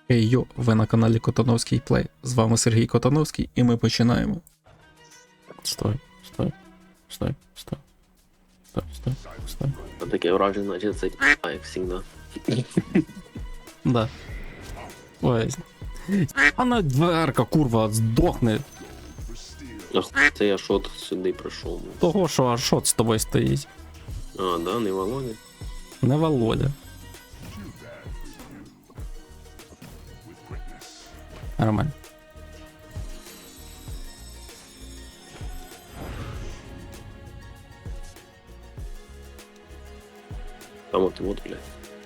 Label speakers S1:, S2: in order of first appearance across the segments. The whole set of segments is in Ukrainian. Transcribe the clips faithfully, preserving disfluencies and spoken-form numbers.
S1: Хей йо, ви на каналі Котановський Плей. З вами Сергій Котановський і ми починаємо. Стой, стой, стой, стой, стой, стой, стой.
S2: Таке враження, значить, це а, як завжди.
S1: Да. Ой. Вона дверка, курва, здохне.
S2: Ах, це я шот сюди прийшов.
S1: Того, що аж шот з тобою стоїть.
S2: А, да, не Володя.
S1: Не Володя. Нормально.
S2: Там от, от, блядь.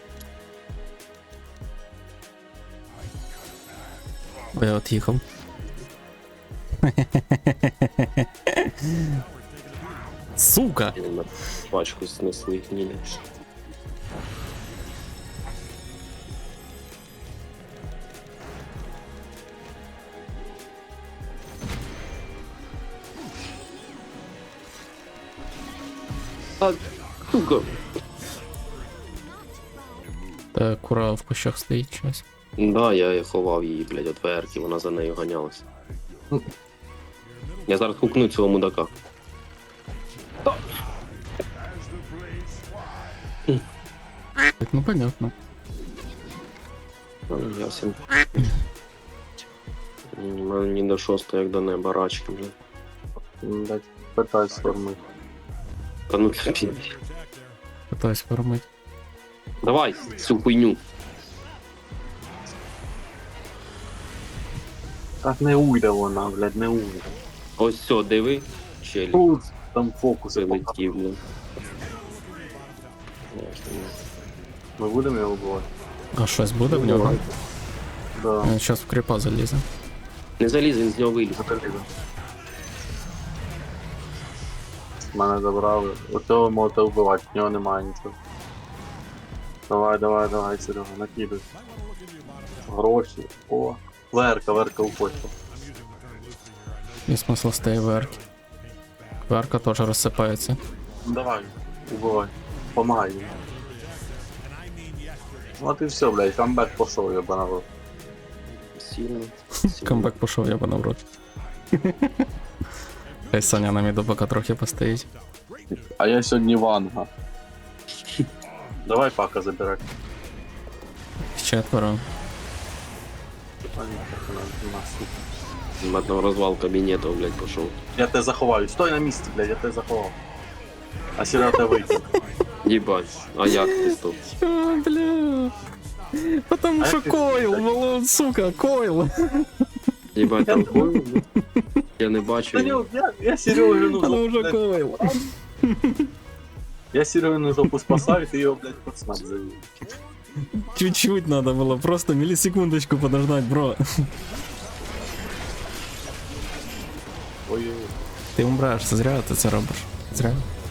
S1: Бо я от їхав. Сука!
S2: Я на пачку снесли гнілі. А, сука.
S1: Та кура в кущах стоїть щось.
S2: Да, я ховав її, блядь, от верки, вона за нею ганялася. Я зараз хукну цього мудака.
S1: Ну понятно.
S2: А, ясен. У мене ні до шостого, як до неба, рачки вже.
S3: Блять, питай форми.
S2: Та ну це піде.
S1: Питаюсь фармити.
S2: Давай цю хуйню.
S3: Так не уйде вона, блядь, не уйде.
S2: Ось все, диви. Челі.
S3: Тут там фокуси.
S2: Прилетів, блядь.
S3: Ми будемо його вбивати?
S1: А щось буде в нього?
S3: Да.
S1: Він зараз в кріпа залізе.
S2: Не заліз, він з нього виліз.
S3: Залізо. Мене забрали. Оцього можете вбивати, в нього немає нічого. Давай, давай, давай, Серега, накидай. Гроші. О. Верка, верка уходьте.
S1: І смисл з тієї верки. Верка теж розсипається.
S3: Давай, убивай. Помагай йому. От і все, блядь, камбек пошов, ебана в рот.
S2: Сильно.
S1: Камбек пішов, я на в рот. Хай Саня на міду поки трохи постоїть.
S3: А я сьогодні ванга. Давай пака забирай.
S1: Четверо.
S3: А ні, так вона на сука.
S2: Матно розвал кабінету, блядь, пішов.
S3: Я тебе заховаю. Стой на місці, блядь, я тебе заховав. А Серега тебе вийде.
S2: Їбать, а як ти стоп?
S1: Чо, бля? Потому
S3: А
S1: що
S3: як ти-
S1: койл, молод, сука, койл.
S2: Їбать, там хуй, я не
S3: Та
S2: бачу.
S3: ні, я, я Серегину
S1: Потому що
S3: блядь,
S1: койл.
S3: я Серегину жопу спасаю, ти його, блядь, під смак завів.
S1: Чуть-чуть надо было, просто миллисекундочку подождать, бро.
S3: Ой-ой-ой.
S1: Ти умреш, зря ти це робиш. Зря.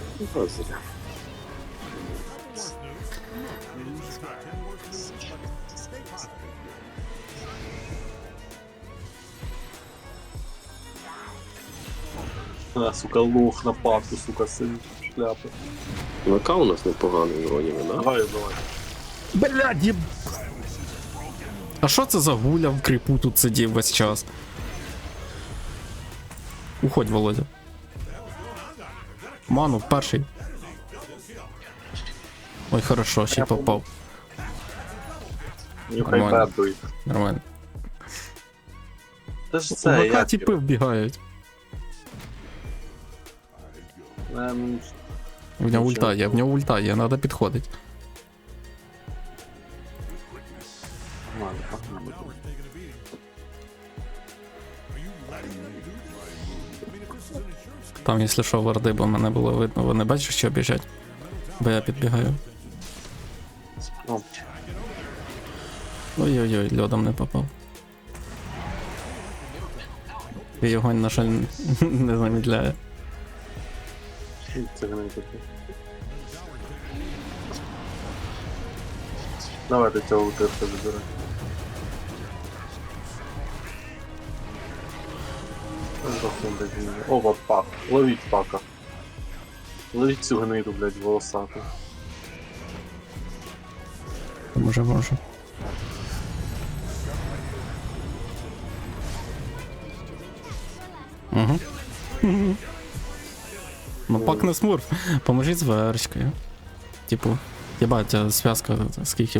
S3: А, сука, лох на папку, сука, сын шляпи.
S2: ВК у нас непоганий вроді, да?
S3: Давай, давай.
S1: Блядь, єб... А що це за гуля в кріпу тут сидів весь час? Уходь, Володя. Ману, перший. Ой, хорошо, ще й попав.
S3: Нюхай
S1: Нормально.
S3: бебуй.
S1: Нормально.
S3: Це ж
S1: У
S3: це,
S1: ВК
S3: я
S1: тіпи вбігають.
S3: Ем,
S1: В нього ульта є, в нього ульта є, треба підходити.
S3: ладно, погнали.
S1: Там, якщо що, варди, бо мене було видно, вони бачиш, що біжать? Бо я підбігаю.
S3: Ну,
S1: Ой-ой-ой, льодом не попав. І його, на жаль, не замідляє.
S3: це не таке. Давайте цього утирка забирай. Ова, пак. Ловіть пака. Ловіть цю гниду, блядь, волосату.
S1: Може, може. Угу. Ну пак не смурф. Поможіть з вершкою. Типу, єбать, а зв'язка скільки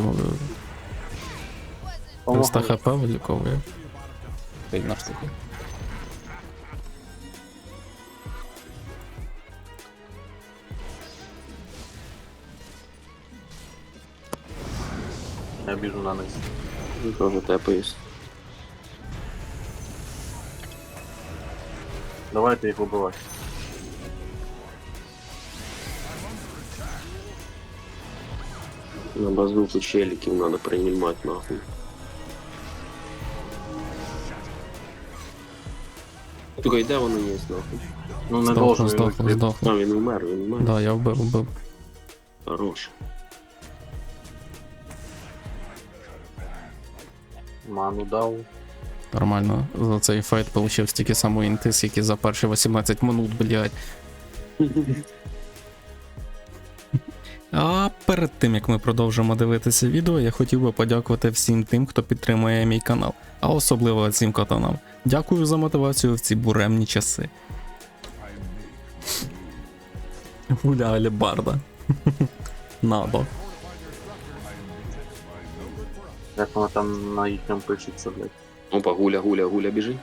S1: триста хп виліковує. Сильна штука.
S3: Я біжу на низ.
S2: Тоже тепаюсь.
S3: Давайте їх убивати.
S2: На базуку челиків надо принимать нахуй. Только йде воно є нахуй.
S3: Ну не
S1: Здохло,
S3: должен він
S1: здохло,
S3: вийти.
S1: здохло.
S2: А, він умер, він умер.
S1: Да, я вбив, вбив.
S2: Хорош.
S3: Ману дав.
S1: Нормально. За цей файт получив стільки самої інти, скільки за перші вісімнадцять минут, блядь. А перед тим як ми продовжимо дивитися відео, я хотів би подякувати всім тим, хто підтримує мій канал, а особливо цим катанам. Дякую за мотивацію в ці буремні часи. Гуля алебарда. Надо.
S3: Як воно там на їхньому пишеться, блядь.
S2: Опа, гуля, гуля, гуля біжить.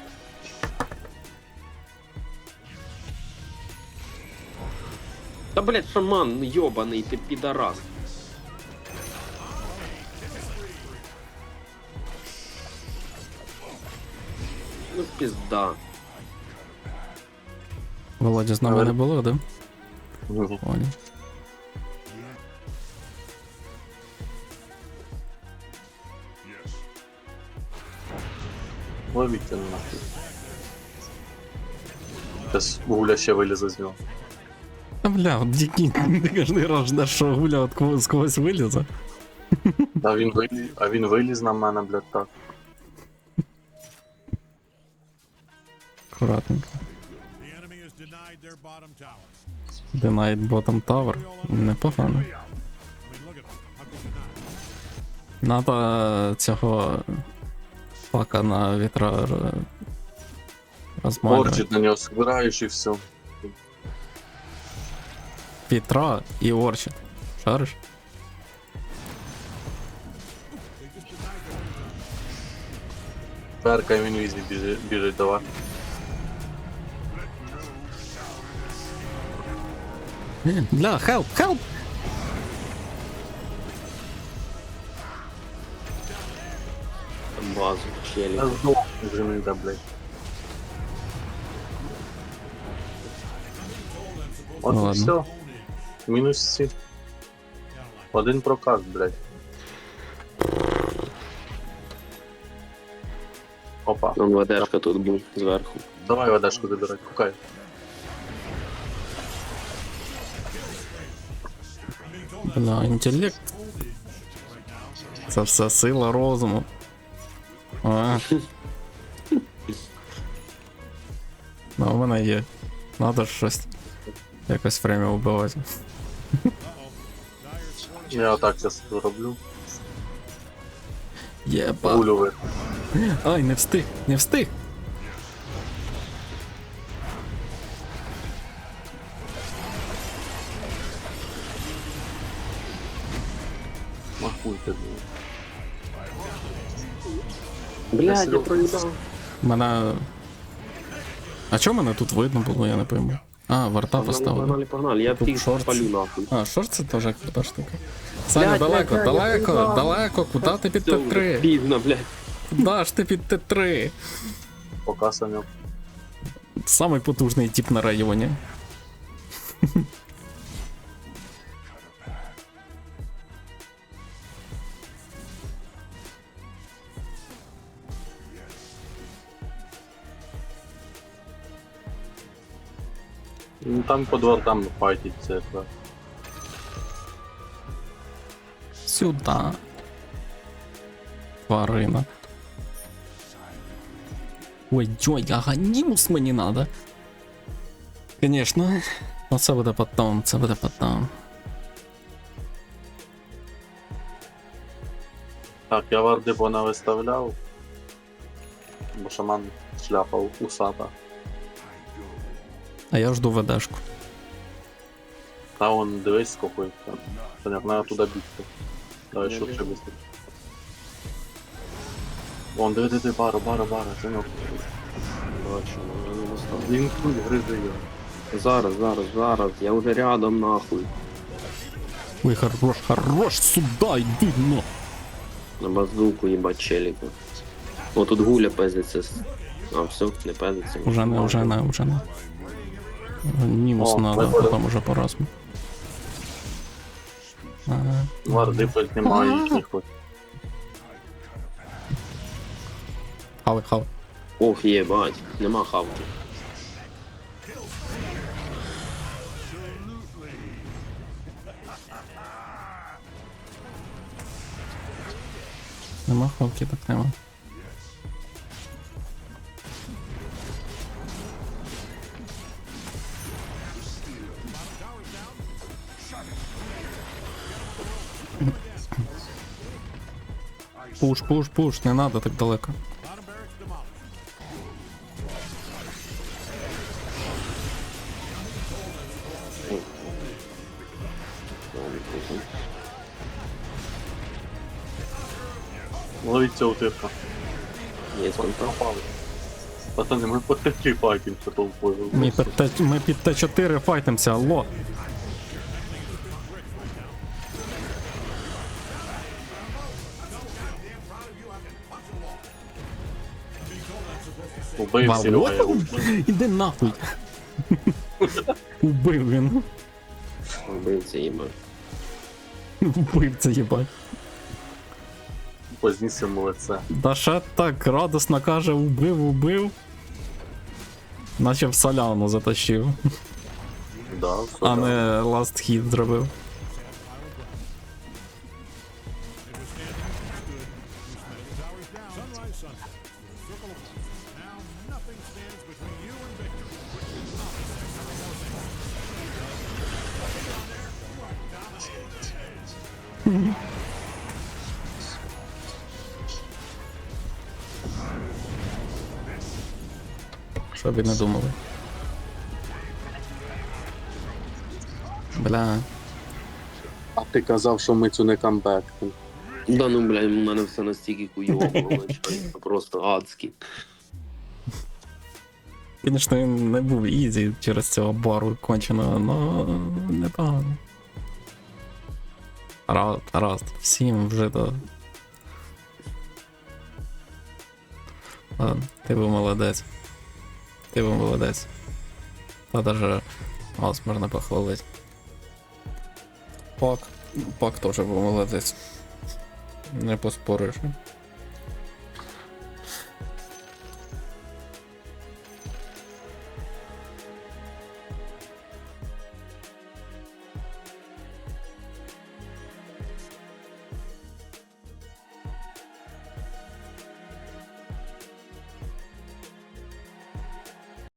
S2: Та блять, шаман, йобаний, ти підарас. Ну пізда.
S1: Володя з нами не було, да?
S3: Ні.
S1: Понял.
S3: Ловіть це нахуй. Зараз гуля ще вилізе з нього.
S1: А бля, от який ти кожний раз ждеш, що гуля от когось, з когось вилізе.
S3: А він виліз, а він виліз на мене, блядь, так.
S1: Аккуратненько.
S4: The enemy has denied their bottom tower.
S1: Denied bottom tower. Непогано.
S4: I mean, look at them. How could you not?
S1: Надо цього пака на вітра р- розмалювати.
S3: Орчит на нього збираєш і все.
S1: Вітра і орчит. Шариш?
S3: Перка він візі біжить, біжить, давай.
S1: Бля, хелп, хелп!
S2: Там базу, челик.
S3: Я здох, вже не йде, блядь. От
S1: Ну
S3: і
S1: ладно.
S3: все. Мінус всі. Один проказ, блядь. Опа.
S2: Там ведешка тут був зверху.
S3: Давай водашку забирай, кукай.
S1: Бля, інтелект. Це все сила розуму. А. Ну, у мене є. Надо ж щось. Якось время вбивати.
S3: Я отак зараз роблю.
S1: Єба.
S3: Гулю ви.
S1: Ай, не встиг, не встиг.
S3: Махуйте, блядь.
S2: Блядь, я проїбав.
S1: Мене. А чого мене тут видно було, я не пойму. А, варта поставили.
S2: Погнали, погнали, я
S1: Тут
S2: тих
S1: шорт.
S2: спалю нахуй.
S1: А, що ж це теж крута штука? Саня,
S2: Блядь,
S1: далеко,
S2: блядь, я
S1: далеко,
S2: проїбав.
S1: далеко, куди ти під
S2: Все,
S1: Т три?
S2: Пізно, блядь.
S1: Куда ж ти під Т три?
S3: Пока Саньок.
S1: Самий потужний тип на районі.
S3: Ну там по дворам файтиться якраз.
S1: Сюда. Тварина. Ой, ой, аганімус мені надо. Конечно. Но це буде потом, це буде потом.
S3: Так, я варди понавиставляв. Бо шаман шляпа усата.
S1: А я жду ведешку.
S3: Та вон, дивись, скільки їх там. Саняк, треба туди бігти. Давай
S2: Я
S3: швидше
S2: біжу.
S3: бігти. Вон, диви, диви, бара, бара, бара, Саняк.
S2: Бачу, ну, я не достав.
S3: Він тут гризе його.
S2: Зараз, зараз, зараз, я вже рядом нахуй.
S1: Ой, хорош, хорош, сюда, йди, ну.
S2: На базуку їбать челіка. О, тут гуля пезиться. з- А, все, не пезиться.
S1: Уже не, уже не, уже не. Мінус
S3: О,
S1: надо,
S3: вибори.
S1: потім уже по разу. Ага.
S3: Варди хоч немає їхніх хоч.
S1: Хавай, хавай.
S2: Ох, єбать, нема хавки.
S1: Нема хавки, так нема. Пуш, пуш, пуш, не надо так далеко.
S4: Bottom barracks demolished.
S3: Ловіть цього типа.
S2: Є контакт.
S3: Пропали. Пацани, ми по такі файтимся толпою.
S1: Ми під, Т- ми під Т чотири файтимся, алло.
S3: Убив Серега, я убив.
S1: Іди нахуй. Убив він.
S2: Вбивця їбать.
S1: Убив це їбать.
S3: Познісимо лице.
S1: Да ще так радосно каже, убив, убив. Наче в соляну затащив,
S3: Да, все.
S1: а
S3: да.
S1: не last hit зробив.
S4: Sunrise Sunset. Circle of one. Now nothing stands between you and victory.
S1: Що б і не думали. Бля.
S3: А ти казав, що ми цю не камбекнемо.
S2: Да ну, блядь, у мене все настільки хуйово було, начальник, просто адський.
S1: Звісно, він не був ізі через цього бару конченого, но непогано. Раз, раз, всім вже до. Ладно, ти був молодець. Ти був молодець. Та даже вас можна похвалити. Пак. Пак теж був молодець. Не поспориш.